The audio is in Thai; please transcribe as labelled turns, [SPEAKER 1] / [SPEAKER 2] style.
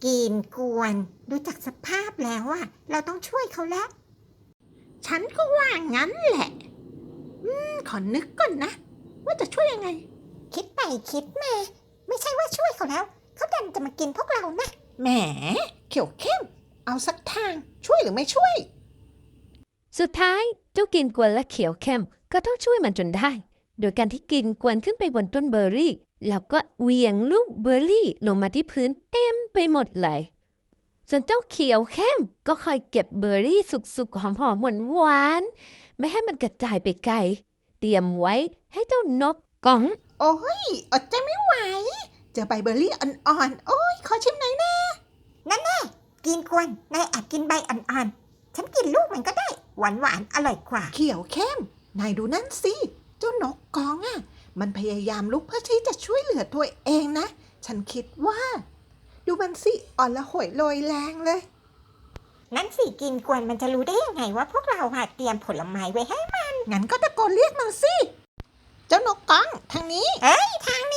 [SPEAKER 1] กินกวนดูจากสภาพแล้วอะเราต้องช่วยเขาแล้วฉันก็ว่างั้นแหละขอนึกก่อนนะว่าจะช่วยยังไงคิดไปคิดมาไม่ใช่ว่าช่วยเขาแล้วเขาดันจะมากินพวกเรานะแหมเขียวเข้มเอาสักทางช่วยหรือไม่ช่วย
[SPEAKER 2] สุดท้ายเจ้ากินกวนและเขียวเข้มก็ต้องช่วยมันจนได้ โดยการที่กินกวนขึ้นไปบนต้นเบอร์รี่แล้วก็เหวี่ยงลูกเบอร์รี่ลงมาที่พื้นเต็มไปหมดเลยส่วนเจ้าเขียวเข้มก็คอยเก็บเบอร์รี่สุกๆหอมๆหวานๆไม่ให้มันกระจายไปไกลเตรียมไว้ให้เจ้านกก้อง
[SPEAKER 1] โอ้ยอดใจไม่ไหวเจอใบเบอร์รี่อ่อนๆโอ้ยขอชิมหน่อยนะนั่นแน่กินกวนนายแอบกินใบอ่อนๆฉันกินลูกมันก็ได้หวานๆอร่อยกว่าเขียวเข้มนายดูนั่นสิเจ้านกกองอ่ะมันพยายามลุกเพื่อที่จะช่วยเหลือตัวเองนะฉันคิดว่าดูมันสิอ่อนละหวยโรยแรงเลยนั่นสิกินกวนมันจะรู้ได้ยังไงว่าพวกเราเตรียมผลไม้ไว้ให้มันงั้นก็ตะโกนเรียกมันสิเจ้านกกองทางนี้เอ้ยทาง